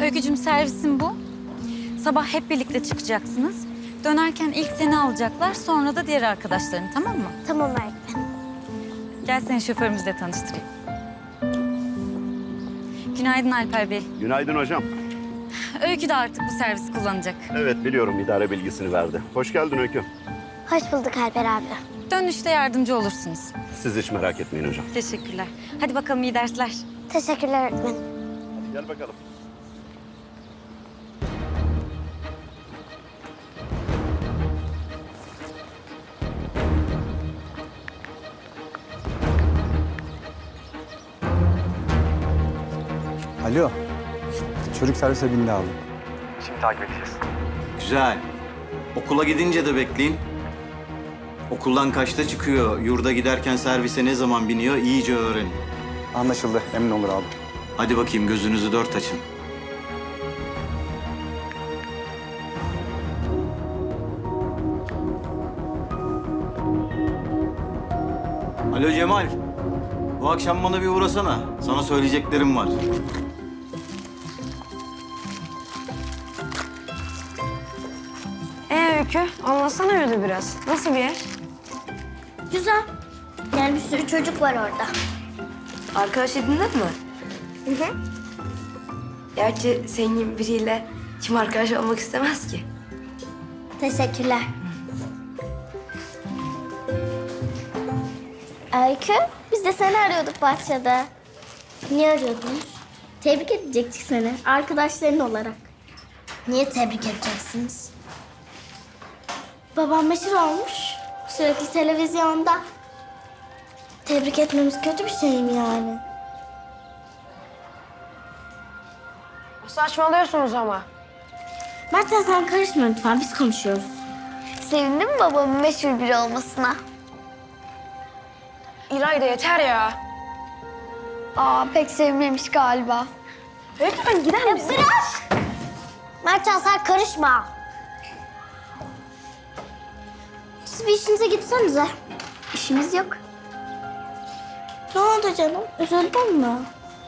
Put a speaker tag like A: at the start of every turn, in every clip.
A: Öykücüm servisin bu. Sabah hep birlikte çıkacaksınız. Dönerken ilk seni alacaklar, sonra da diğer arkadaşlarını, tamam mı?
B: Tamam öğretmenim.
A: Gel seni şoförümüzle tanıştırayım. Günaydın Alper Bey.
C: Günaydın hocam.
A: Öykü de artık bu servisi kullanacak.
C: Evet biliyorum, idare bilgisini verdi. Hoş geldin Öykü.
B: Hoş bulduk Alper abi.
A: Dönüşte yardımcı olursunuz.
C: Siz hiç merak etmeyin hocam.
A: Teşekkürler. Hadi bakalım, iyi dersler.
B: Teşekkürler öğretmenim.
C: Gel bakalım.
D: Alo. Çocuk servise bindi abi.
E: Şimdi takip edeceğiz.
F: Güzel. Okula gidince de bekleyin. Okuldan kaçta çıkıyor, yurda giderken servise ne zaman biniyor iyice öğrenin.
D: Anlaşıldı. Emin olur abi.
F: Hadi bakayım gözünüzü dört açın. Alo Cemal. Bu akşam bana bir uğrasana. Sana söyleyeceklerim var.
G: Öykü, anlatsana öyle biraz. Nasıl bir yer?
B: Güzel. Yani bir sürü çocuk var orada.
G: Arkadaş edindin mi?
B: Hı hı.
G: Gerçi senin gibi biriyle kim arkadaş olmak istemez ki?
B: Teşekkürler. Öykü, biz de seni arıyorduk bahçede. Niye arıyordunuz? Tebrik edecektik seni, arkadaşların olarak. Niye tebrik edeceksiniz? Babam meşhur olmuş, sürekli televizyonda. Tebrik etmemiz kötü bir şey mi yani?
G: Saçmalıyorsunuz ama.
B: Mertcan sen karışma lütfen, biz konuşuyoruz. Sevindin mi babamın meşhur biri olmasına?
G: İlayda yeter ya.
B: Aa, pek sevmemiş galiba.
G: Lütfen gider misin?
B: Bırak! Mertcan sen karışma. Siz bir işinize gitsenize. İşimiz yok. Ne oldu canım? Üzüldün mü?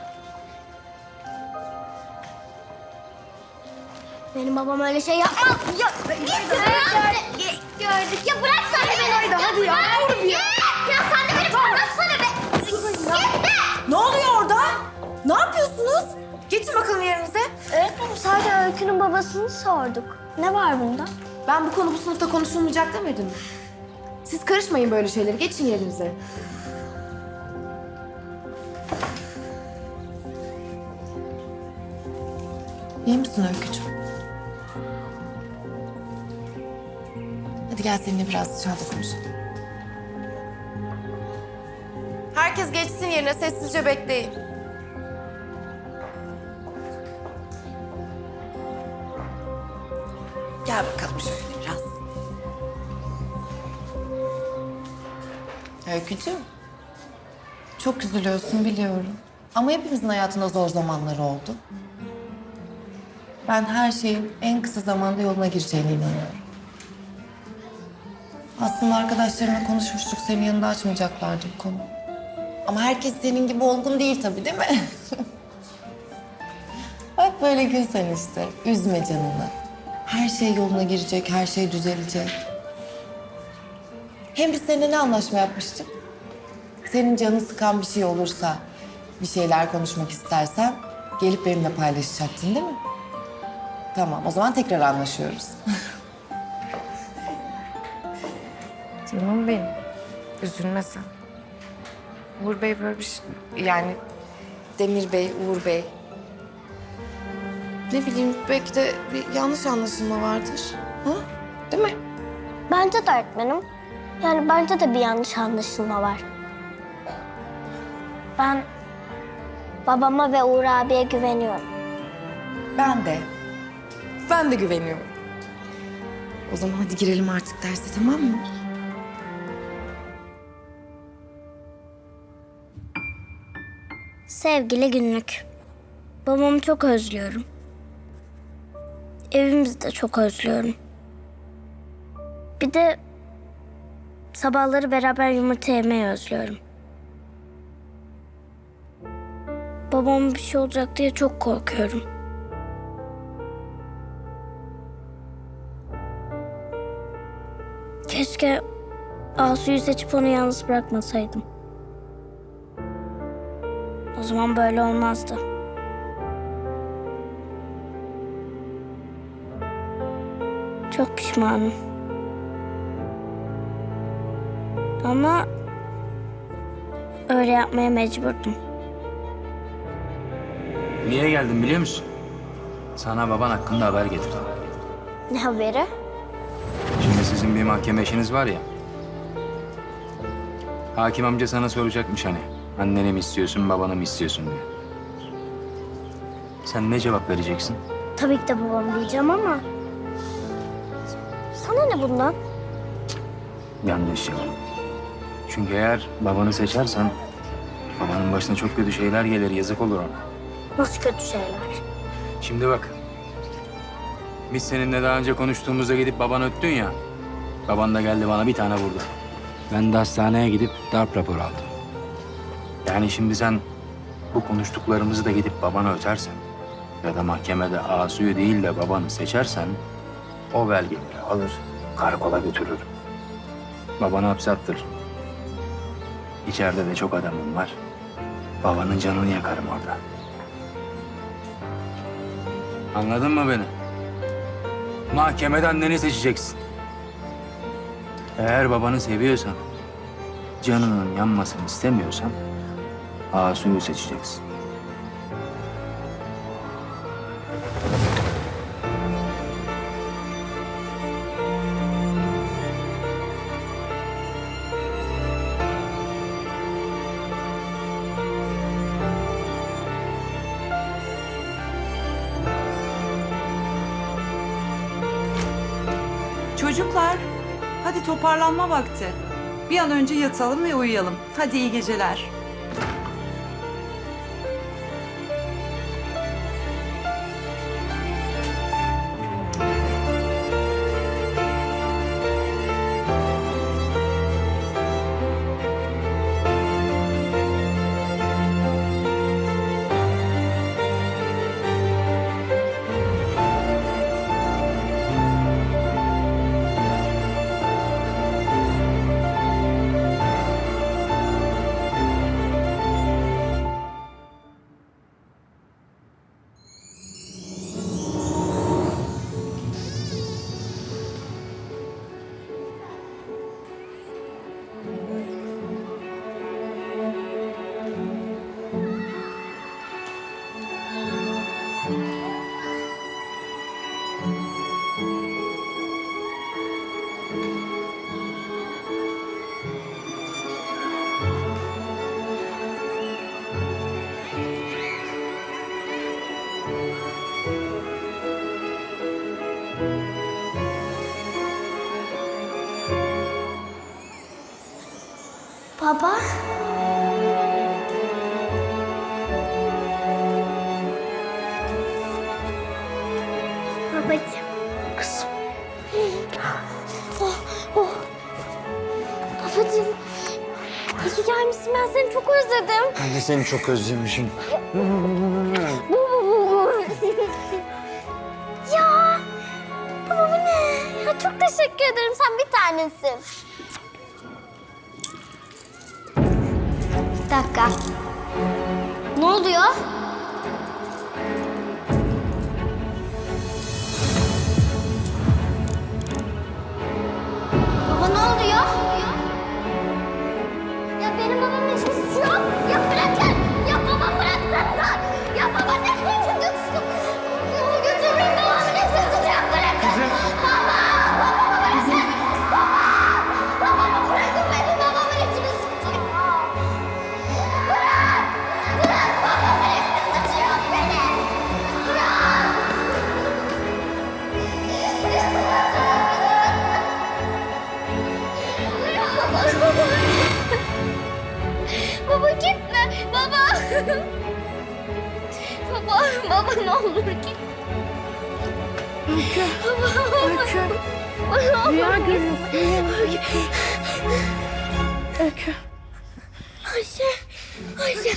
B: Benim babam öyle şey yapmaz. Ya, gördük. Ya bırak sen de beni.
G: Hadi ya, dur bir ya.
B: Ya sen de beni bıraksana be. Gitme.
H: Ne oluyor orada? Ne yapıyorsunuz? Geçin bakalım yerinize.
B: Öğretmenim sadece Öykü'nün babasını sorduk. Ne var bunda?
H: Ben bu konu bu sınıfta konuşulmayacak demedim mi? Siz karışmayın böyle şeyleri. Geçin yerinize. İyi misin Öykücüğüm? Hadi gel seninle biraz dışarıda konuşalım. Herkes geçsin yerine. Sessizce bekleyin. Gel bakalım şöyle biraz. Öykücüğüm. Çok üzülüyorsun biliyorum. Ama hepimizin hayatında zor zamanları oldu. Ben her şeyin en kısa zamanda yoluna gireceğine inanıyorum. Aslında arkadaşlarımla konuşmuştuk, senin yanında açmayacaklardı bu konu. Ama herkes senin gibi olgun değil tabii, değil mi? Bak böyle gül sen işte, üzme canını. Her şey yoluna girecek, her şey düzelecek. Hem biz seninle ne anlaşma yapmıştık? Senin canını sıkan bir şey olursa, bir şeyler konuşmak istersen gelip benimle paylaşacaktın değil mi? Tamam, o zaman tekrar anlaşıyoruz.
G: Canım benim. Üzülme sen. Uğur Bey böyle bir şey... Yani Demir Bey, Uğur Bey. Ne bileyim belki de bir yanlış anlaşılma vardır. Ha? Değil mi?
B: Bence de öğretmenim. Yani bence de bir yanlış anlaşılma var. Ben babama ve Uğur abiye güveniyorum.
G: Ben de güveniyorum. O zaman hadi girelim artık derse, tamam mı?
B: Sevgili günlük. Babamı çok özlüyorum. Evimizi de çok özlüyorum. Bir de sabahları beraber yumurta yemeyi özlüyorum. Babama bir şey olacak diye çok korkuyorum. Keşke Asu'yu seçip onu yalnız bırakmasaydım. O zaman böyle olmazdı. Çok pişmanım. Ama öyle yapmaya mecburdum.
E: Niye geldim biliyor musun? Sana baban hakkında haber getirdim.
B: Ne haberi?
E: Şimdi sizin bir mahkeme işiniz var ya. Hakim amca sana soracakmış hani. Anneni mi istiyorsun, babanı mı istiyorsun diye. Sen ne cevap vereceksin?
B: Tabii ki de babam diyeceğim ama... Sana ne bundan?
E: Yanlış cevap. Çünkü eğer babanı seçersen... babanın başına çok kötü şeyler gelir, yazık olur ona.
B: Nasıl kötü şeyler?
E: Şimdi bak. Biz seninle daha önce konuştuğumuzda gidip babanı öttün ya. Baban da geldi bana bir tane vurdu. Ben de hastaneye gidip darp raporu aldım. Yani şimdi sen bu konuştuklarımızı da gidip babana ötersen... ya da mahkemede Asu'yu değil de babanı seçersen... o belgeleri alır, karakola götürür. Babanı hapse attırır. İçeride de çok adamım var. Babanın canını yakarım orada. Anladın mı beni? Mahkemede anneni seçeceksin. Eğer babanı seviyorsan, canının yanmasını istemiyorsan Asu'yu seçeceksin.
I: Çocuklar, hadi toparlanma vakti. Bir an önce yatalım ve uyuyalım. Hadi iyi geceler.
B: Baba. Babacığım.
E: Kızım.
B: Oh. Babacığım. İyi ki gelmişsin. Ben seni çok özledim.
E: Ben de seni çok özlemişim.
B: Ya. Baba bu ne? Ya çok teşekkür ederim. Sen bir tanesin. Bir dakika. Ne oluyor? Baba ne oluyor? Ya benim babamın hiçbir suçu yok. Ya bırakın. Ya babam bıraksanıza. Ya baba ne götürsün? Onu götürmeyin. Babamın hiçbir suçu yok. Bırakın. Baba. Babamı bırakın. Baba. Babamı bırakın beni. Babamın hiçbir suçu yok. Bırak. Bırak. Babamın hiçbir suçu yok benim. Bırak. Baba gitme. Baba. Baba ne olur git. Öykü. Rüya görüyorsun. Öykü. Ayşe.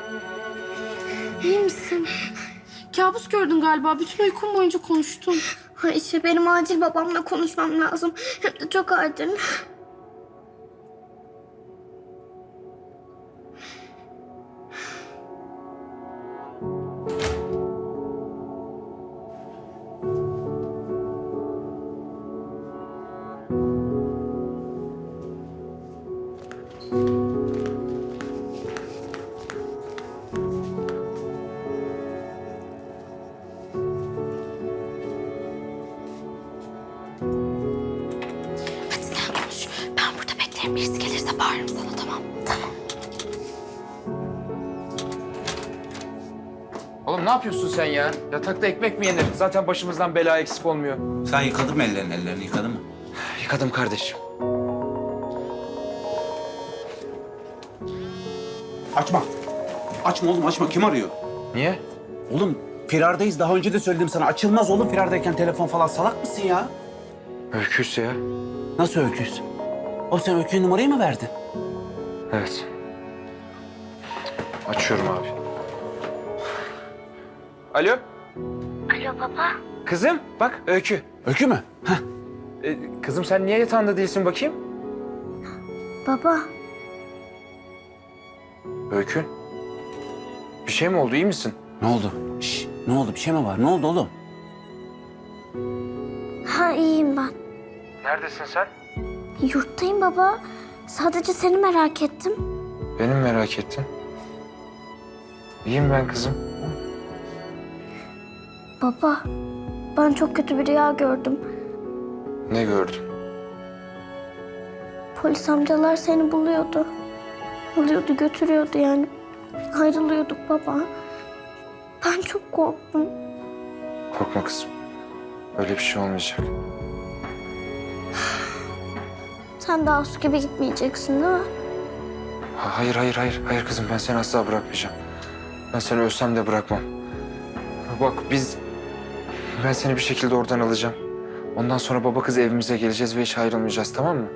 J: İyi misin? Kabus gördün galiba. Bütün uykum boyunca konuştun.
B: Ayşe benim acil babamla konuşmam lazım. Hem de çok acil. Hadi sen konuş. Ben burada beklerim. Birisi gelirse bağırırım sana, tamam? Tamam.
J: Oğlum ne yapıyorsun sen ya? Yatakta ekmek mi yenir? Zaten başımızdan bela eksik olmuyor.
E: Sen yıkadın mı ellerini yıkadın mı?
J: Yıkadım kardeşim.
K: Açma. Açma oğlum açma. Kim arıyor?
J: Niye?
K: Oğlum firardayız. Daha önce de söyledim sana. Açılmaz oğlum firardayken telefon falan. Salak mısın ya?
J: Öküz ya.
K: Nasıl öküz? Oğlum sen öküz numarayı mı verdin?
J: Evet. Açıyorum abi. Alo?
B: Alo baba.
J: Kızım bak Öykü.
K: Öykü mü? Heh.
J: Kızım sen niye yatağında değilsin bakayım?
B: Baba.
J: Öykü. Bir şey mi oldu, iyi misin?
K: Ne oldu? Şş, ne oldu? Bir şey mi var? Ne oldu oğlum?
B: Ha iyiyim ben.
J: Neredesin sen?
B: Yurttayım baba. Sadece seni merak ettim.
J: Benim merak ettin. İyiyim ben kızım.
B: Baba, ben çok kötü bir rüya gördüm.
J: Ne gördün?
B: Polis amcalar seni buluyordu. Alıyordu, götürüyordu yani. Ayrılıyorduk baba. Ben çok korktum.
J: Korkma kızım. Öyle bir şey olmayacak.
B: Sen daha su gibi gitmeyeceksin değil mi?
J: Hayır, hayır, hayır. Hayır kızım, ben seni asla bırakmayacağım. Ben seni ölsem de bırakmam. Bak ben seni bir şekilde oradan alacağım. Ondan sonra baba kız evimize geleceğiz ve hiç ayrılmayacağız, tamam mı?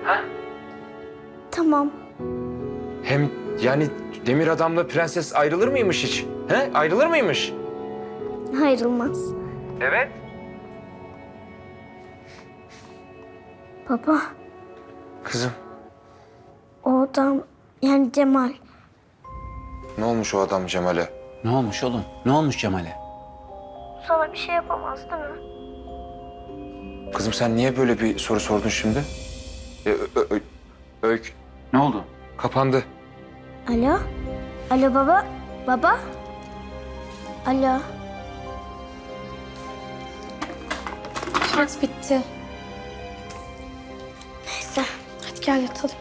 B: Tamam.
J: Hem yani Demir Adam'la Prenses ayrılır mıymış hiç? He? Ayrılır mıymış?
B: Ayrılmaz.
J: Evet.
B: Baba,
J: Kızım,
B: o adam yani Cemal.
J: ne olmuş o adam Cemal'e?
K: Ne olmuş oğlum? Ne olmuş Cemal'e?
B: Sana bir şey yapamaz değil mi?
J: Kızım sen niye böyle bir soru sordun şimdi? Öykü
K: Ne oldu?
J: kapandı.
B: Alo? Alo baba? Baba? Alo?
G: Şarj bitti.
B: Neyse,
G: Hadi gel yatalım.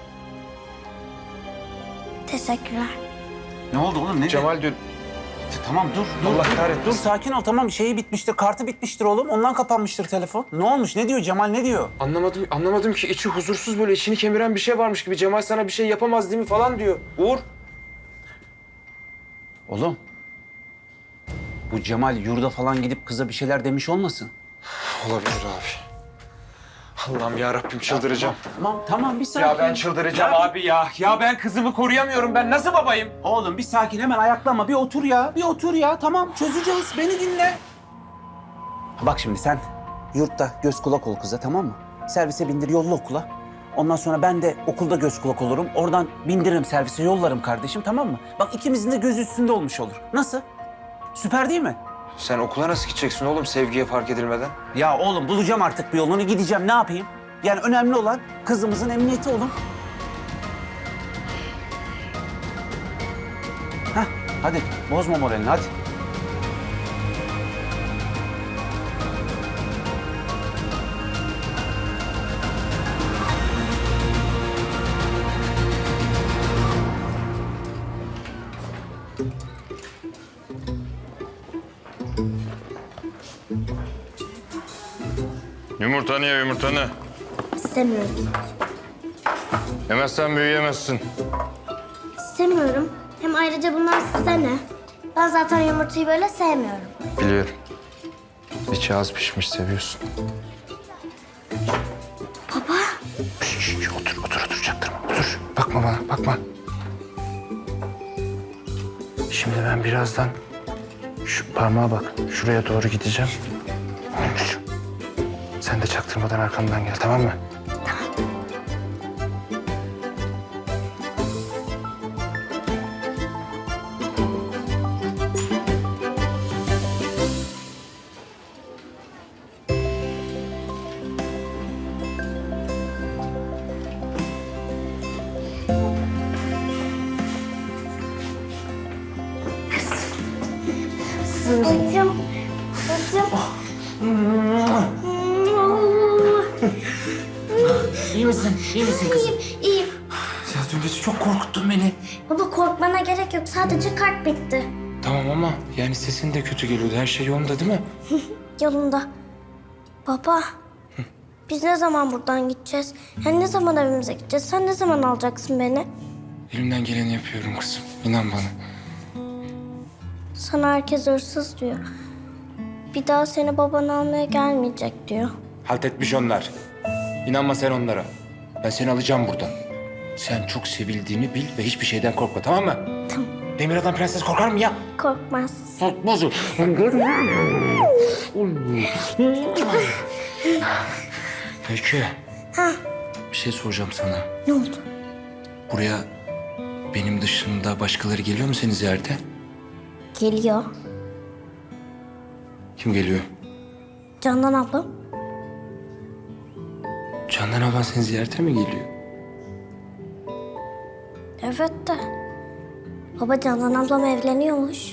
B: teşekkürler.
K: Ne oldu oğlum? Ne?
J: Cemal dün
K: Tamam dur.
J: Allah
K: dur,
J: kahretmesin.
K: Dur sakin ol tamam. Şeyi bitmiştir. Kartı bitmiştir oğlum. Ondan kapanmıştır telefon. Ne olmuş? Ne diyor Cemal? Ne diyor?
J: anlamadım ki içi huzursuz böyle içini kemiren bir şey varmış gibi. Cemal sana bir şey yapamaz değil mi falan diyor. Uğur.
K: Oğlum. Bu Cemal yurda falan gidip kıza bir şeyler demiş olmasın?
J: Olabilir abi. Allah'ım ya Rabbim çıldıracağım.
K: Tamam bir sakin.
J: Ya ben çıldıracağım abi ya. Ya ben kızımı koruyamıyorum. Ben nasıl babayım?
K: Oğlum bir sakin hemen ayaklanma. Bir otur ya. Bir otur ya. Tamam çözeceğiz. Beni dinle. Bak şimdi sen yurtta göz kulak ol kıza tamam mı? Servise bindir yolla okula. Ondan sonra ben de okulda göz kulak olurum. Oradan bindiririm servise yollarım kardeşim tamam mı? Bak ikimizin de gözü üstünde olmuş olur. Nasıl? Süper değil mi?
J: Sen okula nasıl gideceksin oğlum sevgiye fark edilmeden?
K: Ya oğlum bulacağım artık bir yolunu gideceğim ne yapayım? Yani önemli olan kızımızın emniyeti oğlum. Hah hadi bozma moralini hadi.
L: Yumurtanı ye yumurtanı.
B: İstemiyorum.
L: Yemezsen büyüyemezsin.
B: İstemiyorum. Hem ayrıca bunlar size ne? Ben zaten yumurtayı böyle sevmiyorum.
J: Biliyorum. İçi az pişmiş seviyorsun.
B: Baba.
J: Otur çaktırma otur. Bakma bana bakma. Şimdi ben birazdan şu parmağa bak. Şuraya doğru gideceğim. Sen de çaktırmadan arkamdan gel, tamam mı?
B: Bacım. Bacım.
J: İyi misin? İyi misin kızım?
B: İyiyim.
J: Ya dün gece çok korkuttun beni.
B: Baba korkmana gerek yok. Sadece kart bitti.
J: Tamam ama yani sesin de kötü geliyordu. Her şey yolunda değil mi?
B: Yolunda. Baba. Biz ne zaman buradan gideceğiz? Yani ne zaman evimize gideceğiz? Sen ne zaman alacaksın beni?
J: Elimden geleni yapıyorum kızım. İnan bana.
B: Sana herkes hırsız diyor. Bir daha seni baban almaya gelmeyecek diyor.
J: Halt etmiş onlar. İnanma sen onlara. Ben seni alacağım buradan. Sen çok sevildiğini bil ve hiçbir şeyden korkma, tamam mı?
B: Tamam.
J: Demir adam prenses korkar mı ya?
B: Korkmaz.
J: Korkmaz o. Öykü.
B: Ha,
J: Bir şey soracağım sana.
B: ne oldu?
J: Buraya benim dışında başkaları geliyor mu seni ziyarete?
B: Geliyor.
J: Kim geliyor?
B: Candan ablam.
J: Candan ablan seni ziyarete mi geliyor?
B: Evet de. Baba Candan ablam evleniyormuş.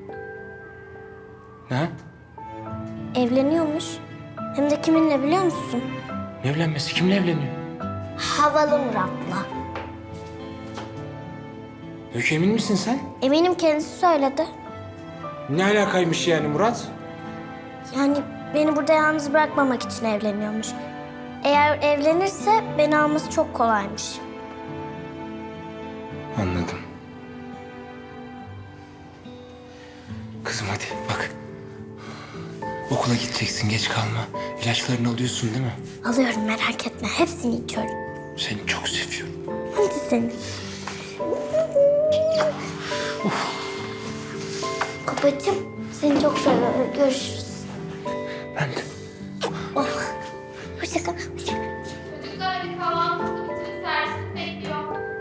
J: Ne?
B: Evleniyormuş. Hem de kiminle biliyor musun?
J: Ne evlenmesi? Kimle evleniyor?
B: Havalı Murat'la.
J: Öykü emin misin sen?
B: Eminim kendisi söyledi.
J: Ne alakaymış yani Murat?
B: Yani beni burada yalnız bırakmamak için evleniyormuş. Eğer evlenirse beni alması çok kolaymış.
J: Anladım. Kızım hadi bak. Okula gideceksin, geç kalma. İlaçlarını alıyorsun değil mi?
B: Alıyorum merak etme. Hepsini içiyorum.
J: Seni çok seviyorum.
B: Hadi seni. Babacığım seni çok seviyorum. Görüşürüz.
J: Ben de.
B: Oh. Hoşça kal. Hoşça kal.
M: Çocuklar hadi kahvaltınızı bitirin, servis bekliyor.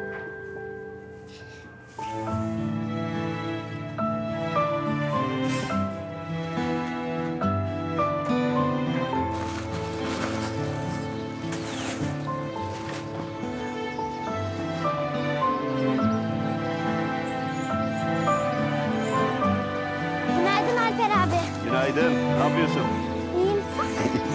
B: Günaydın Alper abi.
C: Günaydın. Ne yapıyorsun?
B: İyiyim sen?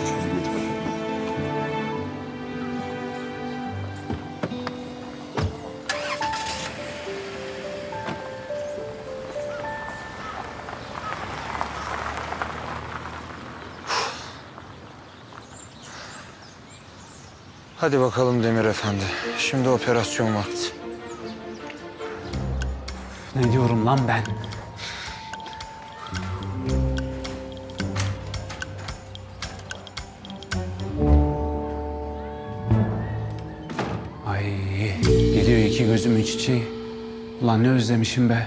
J: Hadi bakalım Demir Efendi. Şimdi operasyon vakti.
K: Ne diyorum lan ben? Ay geliyor iki gözümün çiçeği. Ulan ne özlemişim be.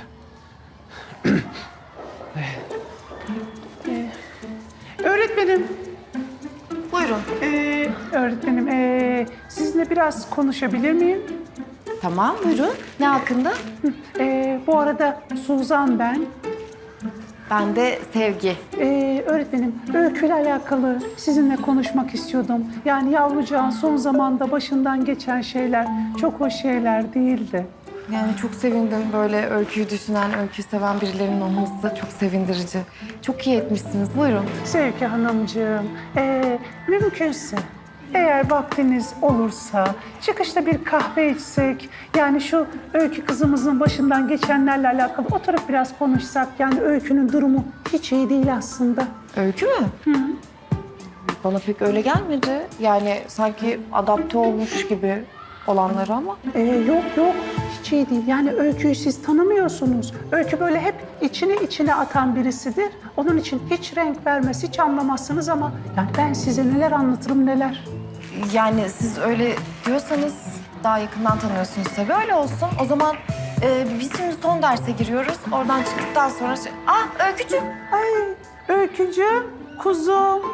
N: Öğretmenim,
H: Buyurun.
N: öğretmenim, sizinle biraz konuşabilir miyim?
H: Tamam, buyurun. Ne hakkında?
N: Bu arada Suzan ben.
H: Ben de Sevgi.
N: Öğretmenim, öyküyle alakalı sizinle konuşmak istiyordum. Yani yavrucağın son zamanda başından geçen şeyler çok hoş şeyler değildi.
H: Yani çok sevindim böyle öyküyü düşünen, öyküyü seven birilerinin olması çok sevindirici. Çok iyi etmişsiniz. Buyurun.
N: Sevgi Hanımcığım, mümkünse eğer vaktiniz olursa çıkışta bir kahve içsek, yani şu Öykü kızımızın başından geçenlerle alakalı oturup biraz konuşsak. Yani Öykü'nün durumu hiç iyi değil aslında.
H: Öykü mü? Bana pek öyle gelmedi. Yani sanki adapte olmuş gibi olanları ama.
N: Yok, hiç iyi değil. Yani Öykü'yü siz tanımıyorsunuz. Öykü böyle hep içine atan birisidir. Onun için hiç renk vermez, hiç anlamazsınız ama yani ben size neler anlatırım neler.
H: Yani siz öyle diyorsanız daha yakından tanıyorsunuz tabii. Öyle olsun. O zaman biz şimdi son derse giriyoruz. Oradan çıktıktan sonra... Ah Öykücüğüm.
N: Ay Öykücüğüm, kuzum.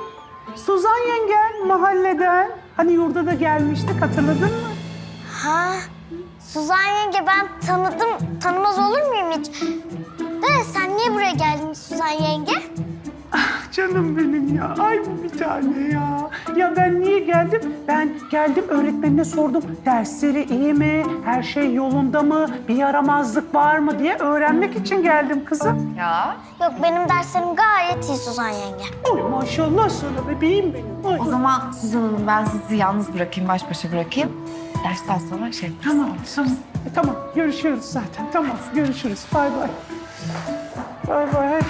N: Suzan yengen mahalleden. Hani yurda da gelmiştik, hatırladın mı?
B: Ha, Suzan yenge ben tanımaz olur muyum hiç? De sen niye buraya geldin Suzan yenge?
N: Canım benim ya. Ay bu bir tane ya. Ya ben niye geldim? Ben geldim öğretmenine sordum. Dersleri iyi mi? Her şey yolunda mı? Bir yaramazlık var mı diye öğrenmek için geldim kızım.
G: Ya.
B: Yok benim derslerim gayet iyi Suzan yenge.
N: Oy maşallah sana bebeğim benim. Oy.
G: O zaman Suzan Hanım ben sizi yalnız bırakayım, baş başa bırakayım. Dersten sonra şey yaparız.
N: Tamam, tamam. Tamam, görüşürüz zaten. Tamam, görüşürüz. Bay bay. Bay bay.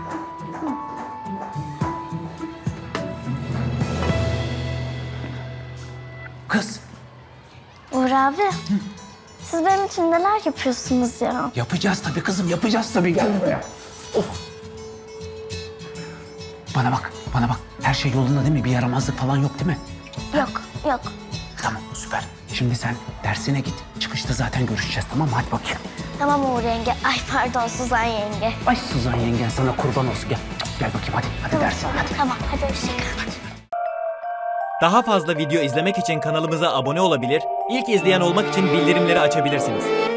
K: Kız,
B: Uğur abi, siz benim için neler yapıyorsunuz ya?
K: yapacağız tabii kızım, yapacağız tabii. Gel buraya. Oh. Bana bak, bana bak. Her şey yolunda değil mi? Bir yaramazlık falan yok değil mi?
B: Yok, yok.
K: Tamam, süper. Şimdi sen dersine git. Çıkışta zaten görüşeceğiz, tamam mı? Hadi bakayım.
B: Tamam Uğur yenge. Ay pardon Suzan yenge.
K: Ay Suzan yengen sana kurban olsun. Gel, gel bakayım hadi. Hadi dersine, hadi.
B: Tamam, hadi hoşça kal.
O: Daha fazla video izlemek için kanalımıza abone olabilir, ilk izleyen olmak için bildirimleri açabilirsiniz.